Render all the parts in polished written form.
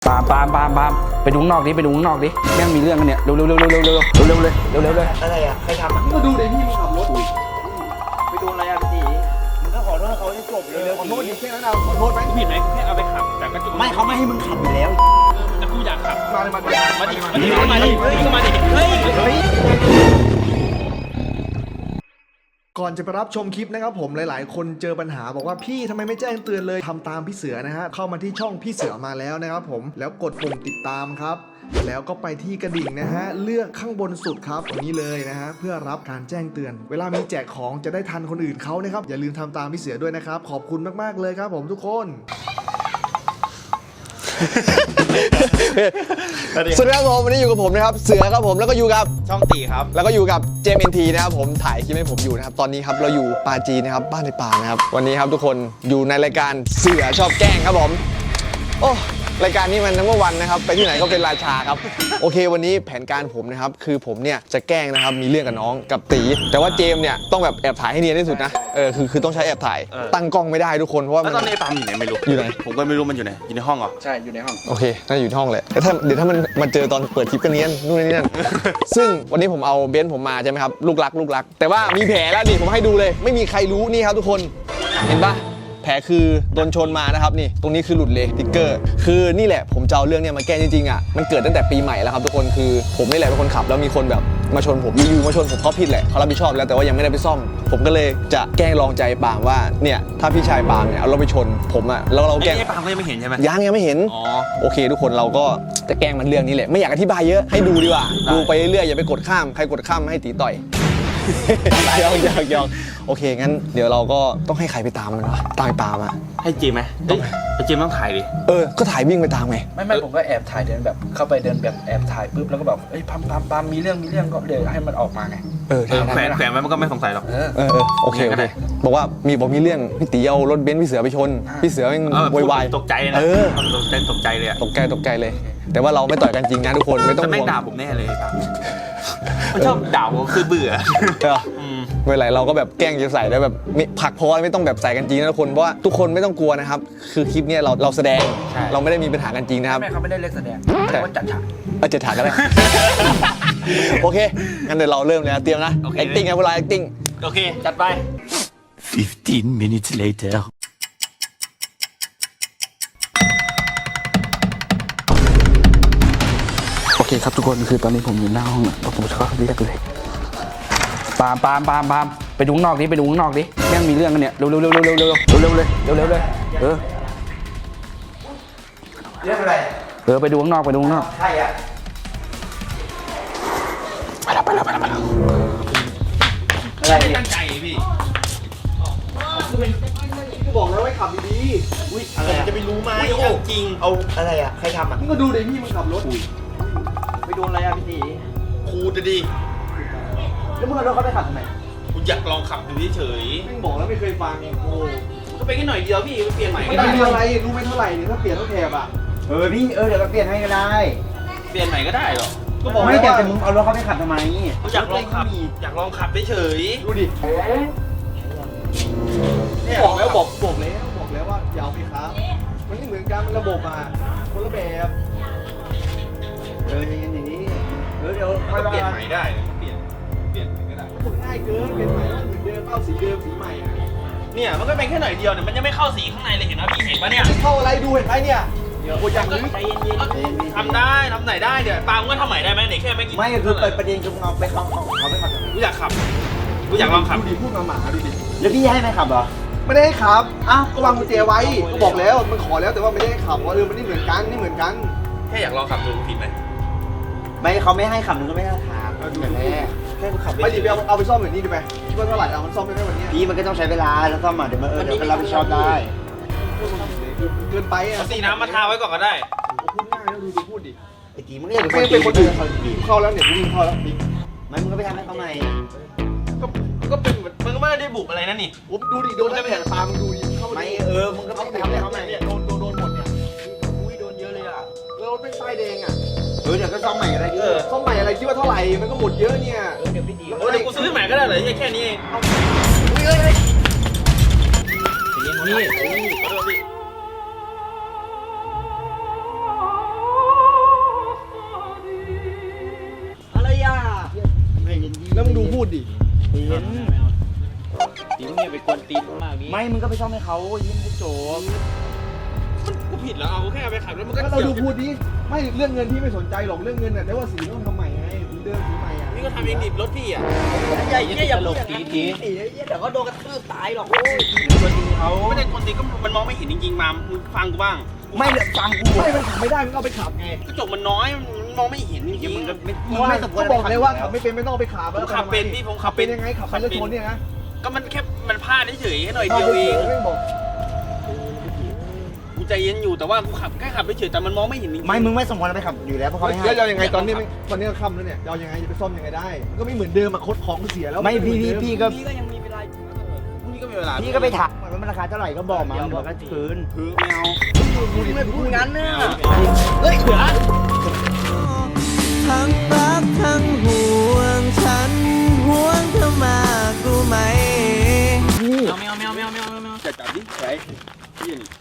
ปามไปดูข้างนอกดิแม่งมีเรื่องกันเนี่ยเร็วเลยอะไรอ่ะใครทำอ่ะก็ดูเดี๋ยวพี่มึงขับรถไปโดนอะไรอ่ะพี่ตีมึงก็ขอโทษเขาให้จบเร็วๆขอโทษดิแค่นั้นเอาขอโทษไหมผิดไหมแค่เอาไปขับแต่ก็จุดไม่เขาไม่ให้มึงขับอยู่แล้วแต่กูอยากขับมาเลยมาดิมาดิเฮ้ยก่อนจะไปรับชมคลิปนะครับผมหลายๆ คนเจอปัญหาบอกว่าพี่ทำไมไม่แจ้งเตือนเลยทำตามพี่เสือนะฮะเข้ามาที่ช่องพี่เสือมาแล้วนะครับผมแล้วกดปุ่มติดตามครับแล้วก็ไปที่กระดิ่งนะฮะเลือกข้างบนสุดครับตรงนี้เลยนะฮะเพื่อรับการแจ้งเตือนเวลามีแจกของจะได้ทันคนอื่นเขานะครับอย่าลืมทำตามพี่เสือด้วยนะครับขอบคุณมากๆเลยครับผมทุกคนสวัสดีครับผมวันนี้อยู่กับผมนะครับเสือครับผมแล้วก็อยู่กับช่องตีครับแล้วก็อยู่กับเจมเอ็นทีนะครับผมถ่ายคลิปให้ผมอยู่นะครับตอนนี้ครับเราอยู่ปาจีนนะครับบ้านในป่านะครับวันนี้ครับทุกคนอยู่ในรายการเสือชอบแกล้งครับผมโอ้รายการนี้มันทั้งวันนะครับไปที่ไหนก็เป็นราชาครับโอเควันนี้แผนการผมนะครับคือผมเนี่ยจะแกล้งนะครับมีเรื่องกับน้องกับตีแต่ว่าเจมเนี่ยต้องแบบแอบถ่ายให้เนียนที่สุดนะคือต้องใช้แอบถ่ายตั้งกล้องไม่ได้ทุกคนเพราะว่าแล้วตอนนี้ปามอยู่ไหนไม่รู้อยู่ไหนผมก็ไม่รู้มันอยู่ไหนอยู่ในห้องเหรอใช่อยู่ในห้องโอเคน่าจะอยู่ที่ห้องแหละแต่เดี๋ยวถ้ามันเจอตอนเปิดคลิปกันเนี้ยนู่นนี่นั่น ซึ่งวันนี้ผมเอาเบนซ์ผมมาใช่ไหมครับลูกรักแต่ว่ามีแผลแล้วนี่ผมให้ดูเลยไม่มีใครรู้นี่ครับทุกคนเห็นปะแผลคือโดนชนมานะครับนี่ตรงนี้คือหลุดเลยติ๊กเกอร์คือนี่แหละผมจะเอาเรื่องเนี้ยมาแก้จริงๆอ่ะมันเกิดตั้งแต่ปีใหม่แล้วครับทุกคนคือผมนี่แหละเป็นคนขับแล้วมีคนแบบมาชนผมอยู่ๆมาชนผมเขาผิดแหละเขารับผิดชอบแล้วแต่ว่ายังไม่ได้ไปซ่อมผมก็เลยจะแกล้งลองใจปาล์มว่าเนี่ยถ้าพี่ชายปาล์มเนี่ยเอารถไปชนผมอ่ะแล้วเราแกล้งไอ้ปามก็ยังไม่เห็นใช่ไหมยังไม่เห็นอ๋อโอเคทุกคนเราก็จะแกล้งมันเรื่องนี้แหละไม่อยากอธิบายเยอะให้ดูดีกว่าดูไปเรื่อยๆอย่าไปกดข้ามใครกดข้ามให้ตีต่อย ยองโอเคงั้นเดี๋ยวเราก็ต้องให้ใครไปตามมันวะตามไปปามาให้จีมไหมเฮ้ยไอ้จีมต้องถ่ายดิก็ถ่ายวิ่งไปตามไงไม่ผมก็แอบถ่ายเดินแบบเข้าไปเดินแบบแอบถ่ายปุ๊บแล้วก็แบบเอ้ยปามมีเรื่องก็เดี๋ยวให้มันออกมาไงแขวนไว้มันก็ไม่สงสัยหรอกโอเคบอกว่ามีเรื่องพี่ตีเอารถเบนซ์พี่เสือไปชนพี่เสือมันวายตกใจนะตกใจเลยอะตกใจเลย แต่ว่าเราไม่ต่อยกันจริงนะทุกคนไม่ต้องจะไม่ห่วงด่าผมแน่เลยปามมันชอบด่าผมคือเบื่อเวลาเราก็แบบแกล้งจะใส่แล้วแบบผักพอไม่ต้องแบบใส่กันจริงนะทุกคนเพราะว่าทุกคนไม่ต้องกลัวนะครับคือคลิปนี้เราแสดงเราไม่ได้มีปัญหากันจริงนะครับแม่เขาไม่ได้เล่นแสดงว่าจัดฉากจะถ่ายก็ได้ โอเคงั้นเดี๋ยวเราเริ่มเลยนะเตรียมนะ acting นะเวลา acting โอเคจัดไป 15 minutes later. โอเคครับทุกคนคือตอนนี้ผมอยู่หน้าห้องผมจะเข้าเรียกเลยปามไปดูข้างนอกดิแม่งมีเรื่องกันเนี่ยเร็วเลยเรื่องอะไรไปดูข้างนอกใครอ่ะไปแล้วอะไรเนี่ยตั้งใจพี่บอกแล้วให้ขับดีอุ้ยอะไรจะไปรู้ไหมจริงเอาอะไรอ่ะใครทำอ่ะๆมึงก็ดูเดี๋ยวพี่มึงขับรถไปโดนอะไรอ่ะพี่ตีครูจะดีแล้วมึงเอารถเขาไปขับทำไมกูอยากลองขับดูเฉยมึงบอกแล้วไม่เคยฟังโอ้ก็ไปแค่หน่อยเดียวพี่เปลี่ยนใหม่ไม่ก็ได้ได้อะไรรู้ไหมเท่าไหร่เนี่ยถ้าเปลี่ยนต้องแถบอ่ะพี่เดี๋ยวเราเปลี่ยนให้ก็ได้เปลี่ยนใหม่ก็ได้หรอก็บอกไม่แล้วแต่ว่ามึงเอารถเขาไปขับทำไมกูอยากลองขับเฉยดูดิบอกแล้วว่าอย่าเอาไปครับมันไม่เหมือนกันมันระบบอ่ะคนละแบบอย่างนี้เดี๋ยวๆก็เปลี่ยนใหม่ได้เปลี่ยนก็ได้มันง่ายเกินเป็นใหม่แล้วเหมือนเดิมเข้าสีเดิมสีใหม่อ่ะเนี่ยมันก็เป็นแค่หน่อยเดียวเนี่ยมันยังไม่เข้าสีข้างในเลยเห็นไหมพี่เห็นปะเนี่ยเข้าอะไรดูเห็นไหมเนี่ยโอ้ยอย่างนี้ใจเย็นทำได้ทำไหนได้เดี๋ยวปาล์มก็ทำใหม่ได้ไหมเนี่ยแค่ไม่กี่ไม่คือประเด็นคือมึงเอาไปเขาไปขับกูอยากขับกูอยากลองขับดูดิพูดมาหมาดูดิแล้วพี่ให้ไหมขับเหรอไม่ได้ให้ขับอ้าวก็วางกุญแจไว้ก็บอกแล้วมันขอแล้วแต่ว่าไม่ได้ให้ขับว่ามันไม่เหมือนกันแค่อยากลองขับดูผิดไหมไม่เขาไม่ให้ขับมึงก็ไม่ให้ขับอย่างแรกแค่ขับไม่ดีไปเอาไปซ่อมแบบนี้ดีไหมคิดว่าเท่าไหร่เอามันซ่อมได้ไหมวันนี้พี่มันก็ต้องใช้เวลาแล้วซ่อมมาเดี๋ยวมันรับผิดชอบได้เกินไปอ่ะเอาสีน้ำมาทาไว้ก่อนก็ได้พูดง่ายแล้วดูพูดดิไอ้ตีมึงก็อย่าไม่เป็นคนอื่นเข้าแล้วเนี่ยวิ่งเข้าแล้วดิไม่มึงก็ไปทำให้เขาใหม่ก็เป็นมันก็ไม่ได้บุกอะไรนะนี่ผมดูดิโดนได้แผลตามึงดูดิเข้าไม่ มึงก็ไปไปทำให้เขาเขาใหม่เนี่ยโดนหมดเนี่ยอุ้ยโดนเยอะเลยอ่ะแล้วรถเป็นไฟแดงอ่ะเดี๋ยวก็ซ่อมใหม่อะไรดิซ่อมใหม่อะไรคิดว่าเท่าไหร่มันก็หมดเยอะเนี่ยเดี๋ยวพี่ดีเดี๋ยวกูซื้อใหม่ก็ได้เหรอแค่นี้เองพี่ขอโทษพี่เย็นตีมึงเนี่ยไปกวนตีนมากนี้ไม่มึงก็ไปซ่อมให้เขายิ้มให้โจมกูผิดแล้วเอาแค่เอาไปขับแล้วมันก็ก็เราดูพูดดิไม่เรื่องเงินพี่ไม่สนใจหรอกเรื่องเงินแต่ว่าสีต้องทำใหม่ไงสีเดิมสีใหม่อ่ะพี่ก็ทำเองดิรถพี่อ่ะใหญ่เนี่ยอย่าหลบตีเดี๋ยวก็โดนกระทืบตายหรอกโอ้ยกวนตีนเขาไม่ได้คนตีก็มันมองไม่เห็นจริงๆมามึงฟังกูบ้างไม่เหลือฟังกูไม่มันขับไม่ได้มันก็เอาไปขับไงกระจกมันน้อยมันมองไม่เห็นจริงๆมึงก็ไม่สมควรบอกเลยว่าขับไม่เป็นไม่ต้องเอาไปขับผมขับเป็นพี่ผมขัขับบเป็นยังไงขับไปแล้วชนเนี่ยนะก็มันแค่มันพลาดเฉยๆแค่หน่อยเดียวเองไม่บอกกูใจเย็นอยู่แต่ว่ากูขับแค่ขับเฉยๆแต่มันมองไม่เห็นจริงๆไม่มึงไม่สมควรไปขับอยู่แล้วเพราะเขาไม่ให้แล้วจะยังไงตอนนี้ก็ค่ำแล้วเนี่ยจะยังไงจะไปซ่อมยังไงได้มันก็ไม่เหมือนเดิมอะคดของเสียแล้วไม่พี่ก็พี่ก็ยังมีเวลาอยู่นะพรุ่งนี้ก็มีเวลาพี่ก็ไปถามว่ามันราคาเท่าไหร่ก็บอกมาบอกก็คืนคือไม่เอาไม่พูดงั้นเนี่ยเฮ้ยเสือทั้งรักทั้งห่วงฉันห่วงเธอมากรู้ไหมแมวจัดดิไอ้ยี่นี่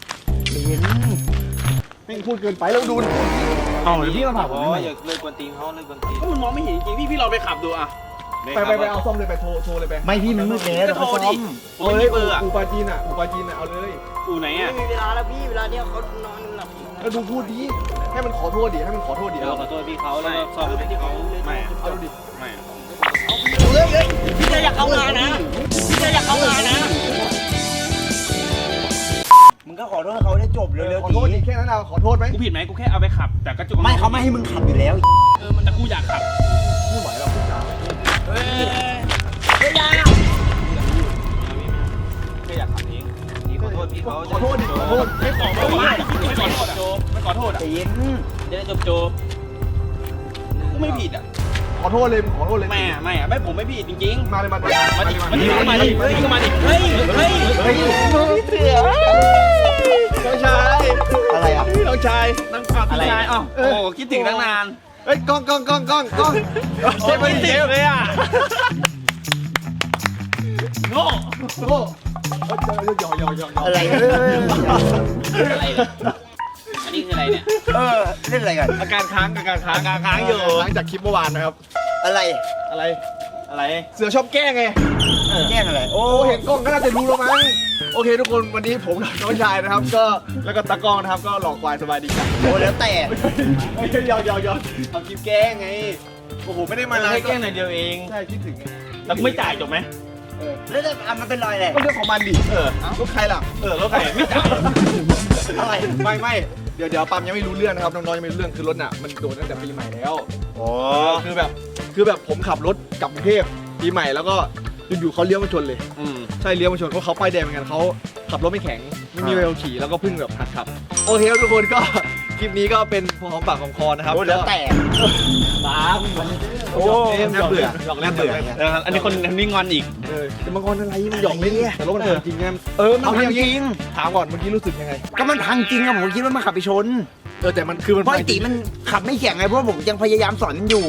ไม่พูดเกินไปแล้วดูเอาหรือพี่มาผ่าผมอย่าเลยกวนตีนเขาเลยกวนตีนก็มันมองไม่เห็นจริงๆพี่ลองไปขับดูอ่ะไปเอาซ่อมเลยไปโทรเลยไปไม่พี่มันมืดแล้วก็โทรดิเอาเลยอูปาจีนอ่ะเอาเลยอูไหนอ่ะไม่มีเวลาแล้วพี่เวลาเนี้ยเขานอนหลับแล้วดูพูดดีให้มันขอโทษดิให้มันขอโทษดิเดี๋ยวขอโทษพี่เขาแล้วก็ซ่อมให้เขาไม่เอาดิไม่พี่จะอยากเข้างานนะพี่จะอยากเข้างานนะมึงก็ขอโทษเขาได้จบเร็วขอโทษดิแค่นั้นเอาขอโทษไหมกูผิดไหมกูแค่เอาไปขับแต่กระจกไม่เขาไม่ให้มึงขับอยู่แล้วมันแต่กูอยากขับไม่ไหวแล้วพูดจาเฮ้ยไม่ยากแค่อยากขับเองนี่ขอโทษพี่เขาขอโทษดิขอโทษไม่ขอโทษอ่ะไม่ขอโทษอ่ะใจเย็นจะได้จบกูไม่ผิดอ่ะขอโทษเลยขอโทษเลยไม่ผมไม่ผิดจริงๆมาเลยมาดิมาดิเฮ้ยก็มาดิเฮ้ยเสือน้องชายอะไรอ่ะน้องชายนั่งขับพี่ชายอ้าวโอ้คิดถึงตั้งนานเฮ้ยกล้องเจ็บไม่เจ็บเลยอ่ะโง่โอ้ยออะไรอะไรอันนี้คืออะไรเนี่ยเล่นอะไรกันอาการค้างอยู่หลังจากคลิปเมื่อวานนะครับอะไรอะไรอะไรเสือชอบแกล้งไงแกล้งอะไรโอ้โอ้เห็นกล้องก็น่าจะรู้แล้วมั้งโอเคทุกคนวันนี้ผมกับน้องชายนะครับก็แล้วก็ตากล้องนะครับก็หลอกควายสบายดีกันโหแล้วแต่ยอทำคลิปแกล้งไงโอ้โหไม่ได้มาแค่แกล้งหน่อยเดียวเองใช่คิดถึงไงแล้วกูไม่จ่ายจบไหมแล้วมันเป็นรอยอะไรก็เรื่องของมันดิลูกใครล่ะรถใครไม่จ่ายอะไรไม่เดี๋ยวปั๊มยังไม่รู้เรื่องนะครับน้องๆยังไม่รู้เรื่องคือรถน่ะมันโดนตั้งแต่ปีใหม่แล้วโอ้คือแบบผมขับรถกลับกรุงเทพปีใหม่แล้วก็อยู่ๆเขาเลี้ยวมาชนเลยใช่เลี้ยวมาชนเพราะเขาป้ายแดงเหมือนกันเขาขับรถไม่แข็งไม่มีใบขับขี่แล้วก็เพิ่งแบบหัดขับโอเคครับทุกคนก็คลิปนี้ก็เป็นพอของปากของคอนะครับโหแล้วแต่โอ้เล่นเบื่อหยอกเล่นเบื่ออันนี้คนนี้งอนอีกจะมางอนอะไรมันหยอกเล่นแต่รถมันพังจริงไงมันพังจริงถามก่อนเมื่อกี้รู้สึกยังไงก็มันพังจริงอะผมคิดว่ามันขับไปชนแต่มันคือมันเพราะไอ้ตีมันขับไม่แข็งไงเพราะผมยังพยายามสอนมันอยู่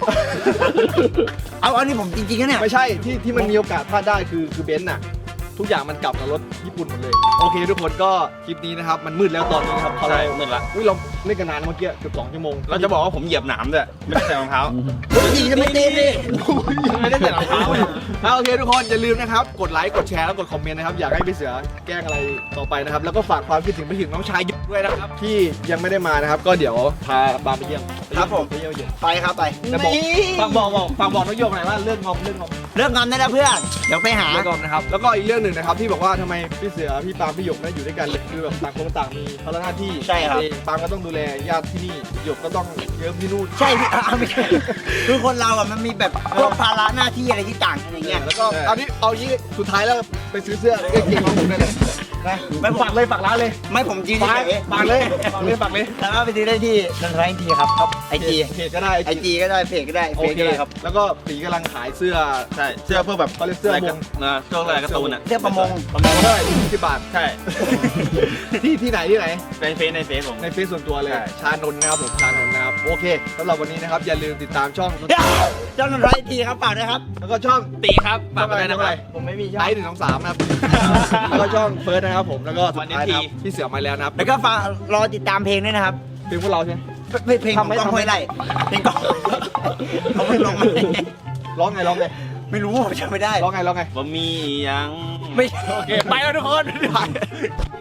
เอาอันนี้ผมจริงๆนะเนี่ยไม่ใช่ที่มันมีโอกาสพลาดได้คือเบนซ์น่ะทุกอย่างมันกลับกับรถญี่ปุ่นหมดเลยโอเคทุกคนก็คลิปนี้นะครับมันมืดแล้วตอนนี้ครับใช่มืดละเราเล่นกันนานเมื่อกี้เกือบ2 ชั่วโมงเราจะบอกว่าผมเหยียบหนามด้วยไม่ได้ใส่รองเท้าตีจะไม่ตีดิไม่ได้ใส่รองเท้าโอเคทุกคนอย่าลืมนะครับกดไลค์กดแชร์แล้วกดคอมเมนต์นะครับอยากให้พี่เสือแกล้งอะไรต่อไปนะครับแล้วก็ฝากความคิดถึงไปถึงน้องชายยุทธด้วยนะครับที่ยังไม่ได้มานะครับก็เดี๋ยวพาบามไปเยี่ยมครับผมไปเยี่ยมไปครับไปแต่ฝากบอกน้องโยกหน่อยว่าเรื่องงอมเรื่องงอนได้แล้วเพื่อนเดี๋ยวไปหาเรื่องงอมนะครับแล้วก็อีกเรื่องหนึ่งนะครับที่บอกว่าทำไมพี่เสือพี่ปาล์มพี่หยกไม่อยู่ด้วยกันเลยคือแบบต่างคนต่างมีภาระหน้าที่ใช่ครับปาล์มก็ต้องดูแลญาติที่นี่หยกก็ต้องเยิ้มที่นู่นใช่พี่ไม่ใช่คือคนเราอะมันมีแบบพวกภาระหน้าที่อะไรที่ต่างกันอย่างเงี้ยแล้วก็เอายี่สุดท้ายแล้วไปซื้อเสื้อเก่งของผมได้เลยนะไม่ฝากร้านเลยไม่ผมจีนฝากเฉยเลยแล้วก็ไปซื้อได้ที่นันทราอินทีครับไอจีเพจก็ได้ไอจีก็ได้เพจก็ได้โอเฟซเคก็ได้ครับแล้วก็ปีกำลังขายเสื้อใช่เสื้อเพื่อแบบเขาเรียกเสื้อมงช่วงอะไรการ์ตูนอ่ะเสื้อประมงเท่าไหร่20 บาทใช่ที่ไหนในเฟซผมในเฟซส่วนตัวเลยใช่ชานนท์นะครับผมชานนท์นะครับโอเคสำหรับวันนี้นะครับอย่าลืมติดตามช่องเจ้านันทราอินทีครับฝากด้วยครับแล้วก็ช่องตีครับฝากไปด้วยนะครับผมไม่มีช่ไลองท์1 2 3นะครับแล้วก็ช่องเฟิร์สนะครับผมแล้วก็สุดท้ายนะครับวันนี้ทีพี่เสือมาแล้วนะครับแล้วก็ฝากรอติดตามเพลงด้วยนะครับเพลงพวกเราใช่ไหมเพลงของกล้องห้วยไร่เพลงกล้องเขาเพิ่งลงมาร้องไงไม่รู้ผมจำไม่ได้ร้องไงว่ามียังไม่โอเคไปแล้วทุกคน